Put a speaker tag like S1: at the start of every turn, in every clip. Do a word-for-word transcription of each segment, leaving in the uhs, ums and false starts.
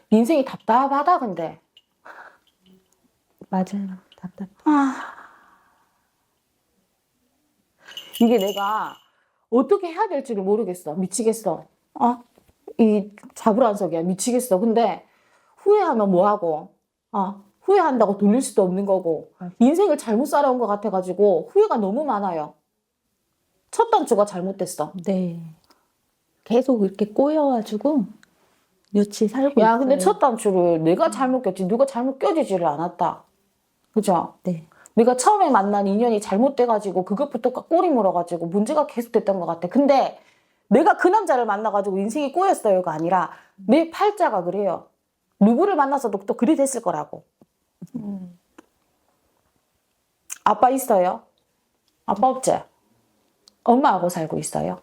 S1: 인생이 답답하다 근데.
S2: 맞아요. 답답해.
S1: 아, 이게 내가 어떻게 해야 될지를 모르겠어. 미치겠어. 어? 이 자불안석이야. 미치겠어. 근데 후회하면 뭐하고, 어? 후회한다고 돌릴 수도 없는 거고, 인생을 잘못 살아온 것 같아가지고 후회가 너무 많아요. 첫 단추가 잘못됐어.
S2: 네. 계속 이렇게 꼬여가지고 며칠 살고
S1: 야,
S2: 있어요.
S1: 근데 첫 단추를 내가 잘못 꼈지, 누가 잘못 껴지지를 않았다. 그죠?
S2: 네.
S1: 내가 처음에 만난 인연이 잘못돼가지고 그것부터 꼬리 물어가지고 문제가 계속됐던 것 같아. 근데 내가 그 남자를 만나가지고 인생이 꼬였어요가 아니라 내 팔자가 그래요. 누구를 만나서도 또 그리 됐을 거라고. 음. 아빠 있어요? 아빠 없지? 엄마하고 살고 있어요?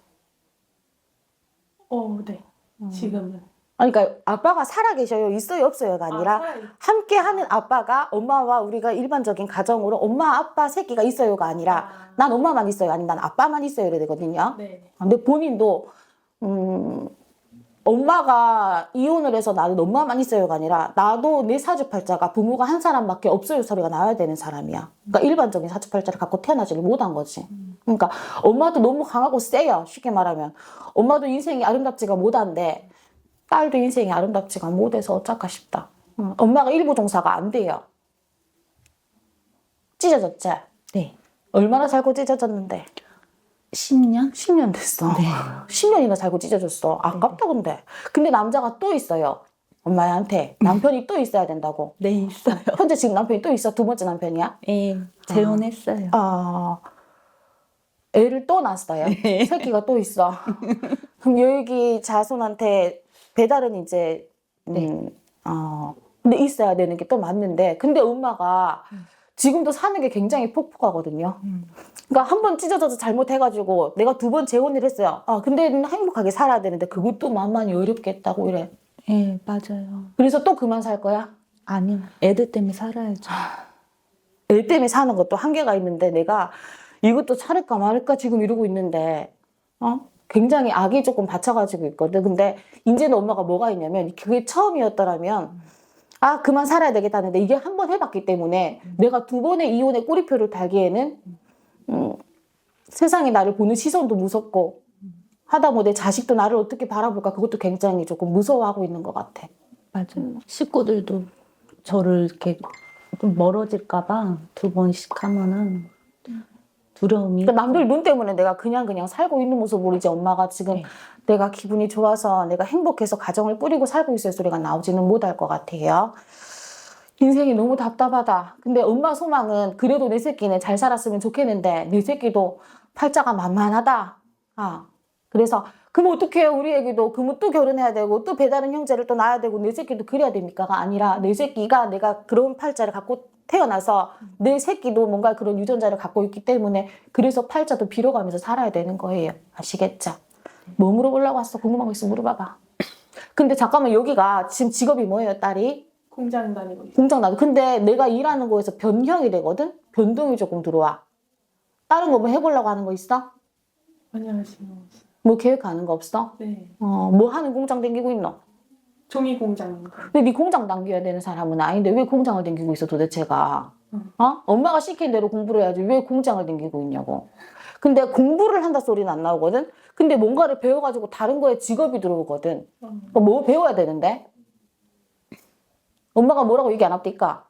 S3: 어, 네. 지금은.
S1: 아니, 그러니까 아빠가 살아계셔요? 있어요? 없어요가 아니라
S3: 아, 살아있-
S1: 함께하는 아빠가 엄마와 우리가 일반적인 가정으로 엄마, 아빠, 새끼가 있어요가 아니라
S3: 아.
S1: 난 엄마만 있어요? 아니면 난 아빠만 있어요? 이래 되거든요.
S3: 네.
S1: 근데 본인도 음, 엄마가 이혼을 해서 나는 엄마만 있어요가 아니라 나도 내 사주팔자가 부모가 한 사람밖에 없어요 소리가 나와야 되는 사람이야. 그러니까 일반적인 사주팔자를 갖고 태어나지를 못한 거지. 그러니까 엄마도 너무 강하고 세요. 쉽게 말하면. 엄마도 인생이 아름답지가 못한데 딸도 인생이 아름답지가 못해서 어쩔까 싶다. 응. 엄마가 일부 종사가 안 돼요. 찢어졌지?
S2: 네.
S1: 얼마나 살고 찢어졌는데?
S2: 십 년?
S1: 십 년 됐어.
S2: 네.
S1: 십 년이나 살고 찢어졌어. 아깝다 근데. 근데 남자가 또 있어요. 엄마한테. 남편이 또 있어야 된다고.
S2: 네, 있어요.
S1: 현재 지금 남편이 또 있어? 두 번째 남편이야?
S2: 예, 재혼했어요.
S1: 아, 애를 또 낳았어요. 새끼가 또 있어. 그럼 여기 자손한테 배달은 이제 음,
S2: 네.
S1: 어, 근데 있어야 되는 게 또 맞는데 근데 엄마가 지금도 사는 게 굉장히 폭폭하거든요.
S2: 음.
S1: 그러니까 한 번 찢어져서 잘못해가지고 내가 두 번 재혼을 했어요. 아, 근데 행복하게 살아야 되는데 그것도 만만히 어렵겠다고 이래.
S2: 예, 맞아요.
S1: 그래서 또 그만 살 거야?
S2: 아니요. 애들 때문에 살아야죠.
S1: 애 때문에 사는 것도 한계가 있는데 내가 이것도 차릴까 말까 지금 이러고 있는데 어? 굉장히 악이 조금 받쳐가지고 있거든. 근데 이제는 엄마가 뭐가 있냐면 그게 처음이었더라면 아 그만 살아야 되겠다는데 이게 한 번 해봤기 때문에 내가 두 번의 이혼의 꼬리표를 달기에는 음, 세상이 나를 보는 시선도 무섭고 하다못해 자식도 나를 어떻게 바라볼까 그것도 굉장히 조금 무서워하고 있는 것 같아.
S2: 맞아요. 식구들도 저를 이렇게 좀 멀어질까봐 두 번씩 하면은 두려움이.
S1: 그러니까 남들 눈 때문에 내가 그냥 그냥 살고 있는 모습 모르지 엄마가 지금
S2: 네.
S1: 내가 기분이 좋아서 내가 행복해서 가정을 꾸리고 살고 있을 소리가 나오지는 못할 것 같아요. 인생이 너무 답답하다. 근데 엄마 소망은 그래도 내 새끼는 잘 살았으면 좋겠는데 내 새끼도 팔자가 만만하다. 아, 그래서 그럼 어떡해요 우리 애기도 그러면 또 결혼해야 되고 또 배다른 형제를 또 낳아야 되고 내 새끼도 그래야 됩니까가 아니라 내 새끼가 내가 그런 팔자를 갖고 태어나서 내 새끼도 뭔가 그런 유전자를 갖고 있기 때문에 그래서 팔자도 빌어가면서 살아야 되는 거예요. 아시겠죠? 뭐 물어보려고 왔어? 궁금한 거 있으면 물어봐봐. 근데 잠깐만 여기가 지금 직업이 뭐예요 딸이?
S3: 공장 다니고 있어요.
S1: 공장 나도. 근데 내가 일하는 거에서 변형이 되거든? 변동이 조금 들어와. 다른 거 뭐 해보려고 하는 거 있어?
S3: 안녕하세요.
S1: 뭐 계획하는 거 없어?
S3: 네.
S1: 어, 뭐 하는 공장 다니고 있노?
S3: 종이 공장.
S1: 근데 네 공장 당겨야 되는 사람은 아닌데 왜 공장을 다니고 있어 도대체가?
S3: 응.
S1: 어? 엄마가 시킨 대로 공부를 해야지 왜 공장을 다니고 있냐고. 근데 공부를 한다 소리는 안 나오거든? 근데 뭔가를 배워가지고 다른 거에 직업이 들어오거든.
S3: 음.
S1: 그럼 뭐 배워야 되는데? 엄마가 뭐라고 얘기 안 합니까?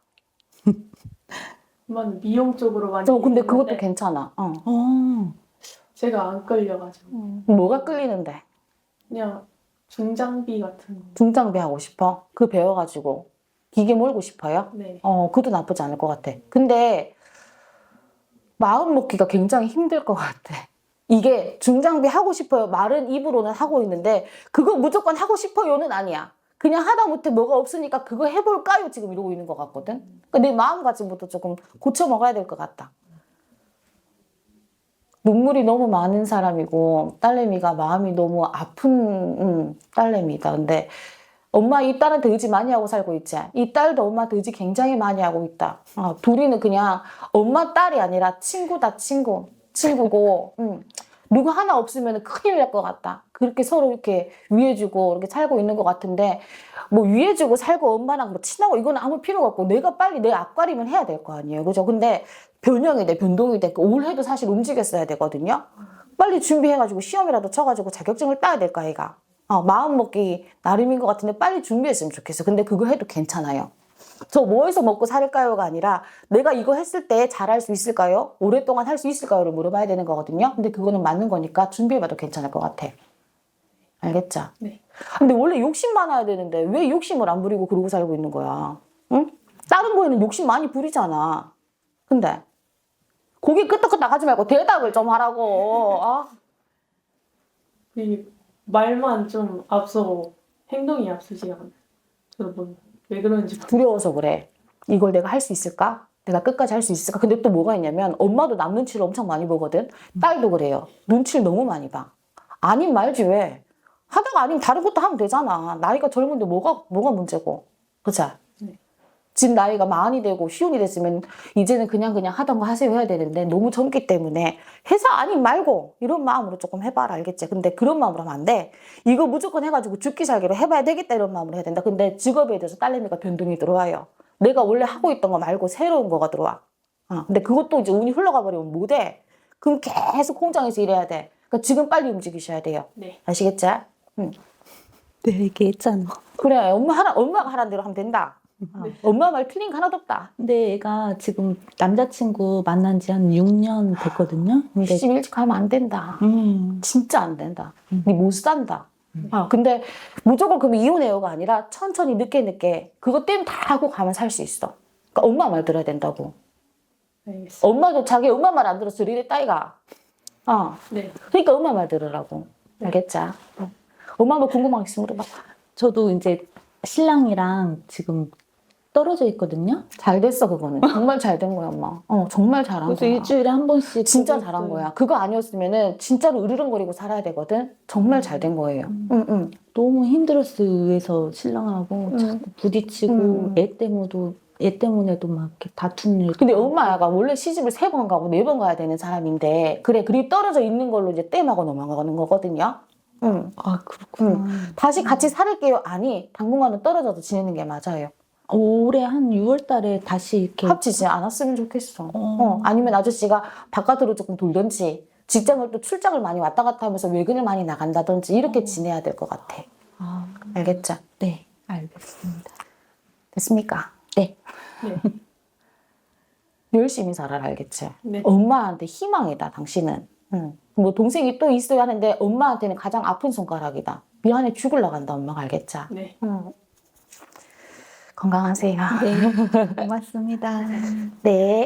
S3: 엄마는 미용 쪽으로 많이.
S1: 어, 근데 그것도
S3: 얘기했는데
S1: 괜찮아. 어.
S2: 어,
S3: 제가 안 끌려가지고
S1: 뭐가 끌리는데?
S3: 그냥 중장비 같은 거.
S1: 중장비 하고 싶어? 그 배워가지고 기계 몰고 싶어요?
S3: 네.
S1: 어, 그것도 나쁘지 않을 것 같아. 근데 마음 먹기가 굉장히 힘들 것 같아. 이게 중장비 하고 싶어요. 말은 입으로는 하고 있는데 그거 무조건 하고 싶어요는 아니야. 그냥 하다못해 뭐가 없으니까 그거 해볼까요? 지금 이러고 있는 것 같거든. 그러니까 내 마음가짐부터 조금 고쳐 먹어야 될 것 같다. 눈물이 너무 많은 사람이고 딸내미가 마음이 너무 아픈 음, 딸내미다. 근데 엄마 이 딸한테 의지 많이 하고 살고 있지. 이 딸도 엄마한테 의지 굉장히 많이 하고 있다. 어, 둘이는 그냥 엄마 딸이 아니라 친구다 친구. 친구고 음. 누구 하나 없으면 큰일 날 것 같다. 그렇게 서로 이렇게 위해주고 이렇게 살고 있는 것 같은데 뭐 위해주고 살고 엄마랑 뭐 친하고 이건 아무 필요가 없고 내가 빨리 내 앞가림은 해야 될 거 아니에요. 그죠? 근데 변형이 돼, 변동이 돼. 그 올해도 사실 움직였어야 되거든요. 빨리 준비해가지고 시험이라도 쳐가지고 자격증을 따야 될 거 아이가. 어, 마음 먹기 나름인 것 같은데 빨리 준비했으면 좋겠어. 근데 그거 해도 괜찮아요. 저 뭐해서 먹고 살까요가 아니라 내가 이거 했을 때 잘할 수 있을까요? 오랫동안 할 수 있을까요?를 물어봐야 되는 거거든요. 근데 그거는 맞는 거니까 준비해봐도 괜찮을 것 같아. 알겠죠?
S3: 네.
S1: 근데 원래 욕심 많아야 되는데 왜 욕심을 안 부리고 그러고 살고 있는 거야? 응? 다른 거에는 욕심 많이 부리잖아. 근데 고개 끄덕끄덕 하지 말고 대답을 좀 하라고. 아?
S3: 이 말만 좀 앞서고 행동이 앞서지 않아요. 저도 뭐왜 그런지
S1: 두려워서 그래. 이걸 내가 할 수 있을까? 내가 끝까지 할 수 있을까? 근데 또 뭐가 있냐면 엄마도 남 눈치를 엄청 많이 보거든. 딸도 그래요. 눈치를 너무 많이 봐. 아님 말지 왜? 하다가 아니면 다른 것도 하면 되잖아. 나이가 젊은데 뭐가 뭐가 문제고. 그치?
S3: 네.
S1: 지금 나이가 마흔이 되고 쉬운이 됐으면 이제는 그냥 그냥 하던 거 하세요 해야 되는데 너무 젊기 때문에 회사 아님 말고 이런 마음으로 조금 해봐라. 알겠지? 근데 그런 마음으로 하면 안 돼. 이거 무조건 해가지고 죽기 살기로 해봐야 되겠다 이런 마음으로 해야 된다. 근데 직업에 대해서 딸내미가 변동이 들어와요. 내가 원래 하고 있던 거 말고 새로운 거가 들어와. 어, 근데 그것도 이제 운이 흘러가 버리면 못 해. 그럼 계속 공장에서 일해야 돼. 그러니까 지금 빨리 움직이셔야 돼요.
S3: 네.
S1: 아시겠지? 응.
S2: 네, 얘기했잖아.
S1: 그래, 엄마 하라, 엄마가 하라는 대로 하면 된다. 어,
S3: 네.
S1: 엄마 말 틀린 거 하나도 없다.
S2: 근데 얘가 지금 남자친구 만난 지 한 육 년 됐거든요. 근데
S1: 시집 일찍 하면 안 된다.
S2: 음,
S1: 진짜 안 된다.
S2: 음.
S1: 니 못 산다. 아, 근데 무조건 그럼 이혼해요가 아니라 천천히 늦게 늦게 그것 때문에 다 하고 가면 살 수 있어. 그러니까 엄마 말 들어야 된다고.
S3: 알겠습니다.
S1: 엄마도 자기 엄마 말 안 들었어. 이래 따위가. 어.
S3: 네.
S1: 그러니까 엄마 말 들으라고. 알겠지? 어. 엄마 뭐 궁금한 거 있으면 물어봐.
S2: 저도 이제 신랑이랑 지금 떨어져 있거든요.
S1: 잘 됐어, 그거는. 정말 잘 된 거야, 엄마. 어, 정말 잘한
S2: 그래서
S1: 거야.
S2: 일주일에 한 번씩
S1: 진짜
S2: 보고
S1: 잘한
S2: 있어요.
S1: 거야. 그거 아니었으면은 진짜로 으르렁거리고 살아야 되거든. 정말 잘 된 거예요. 응, 응.
S2: 너무 힘들었어요. 위에서 신랑하고
S1: 음.
S2: 자꾸 부딪히고
S1: 음.
S2: 애 때문에도 애 때문에도 막 이렇게 다투는 일.
S1: 근데 엄마가 원래 시집을 세 번 가고 네 번 가야 되는 사람인데 그래, 그리 떨어져 있는 걸로 이제 땜하고 넘어가는 거거든요. 응.
S2: 아 그렇구나.
S1: 다시 같이 살을게요. 아니, 당분간은 떨어져서 지내는 게 맞아요.
S2: 올해 한 유월달에 다시 이렇게
S1: 합치지 않았으면 좋겠어.
S2: 어.
S1: 어, 아니면 아저씨가 바깥으로 조금 돌든지 직장을 또 출장을 많이 왔다 갔다 하면서 외근을 많이 나간다든지 이렇게 지내야 될 것 같아.
S2: 아,
S1: 알겠죠?
S2: 네 알겠습니다.
S1: 됐습니까?
S2: 네.
S3: 네.
S1: 열심히 살아라. 알겠지?
S3: 네.
S1: 엄마한테 희망이다. 당신은. 응. 뭐 동생이 또 있어야 하는데 엄마한테는 가장 아픈 손가락이다. 미안해 죽을라 간다. 엄마가. 알겠지?
S3: 네.
S1: 응. 건강하세요.
S2: 네 고맙습니다.
S1: 네.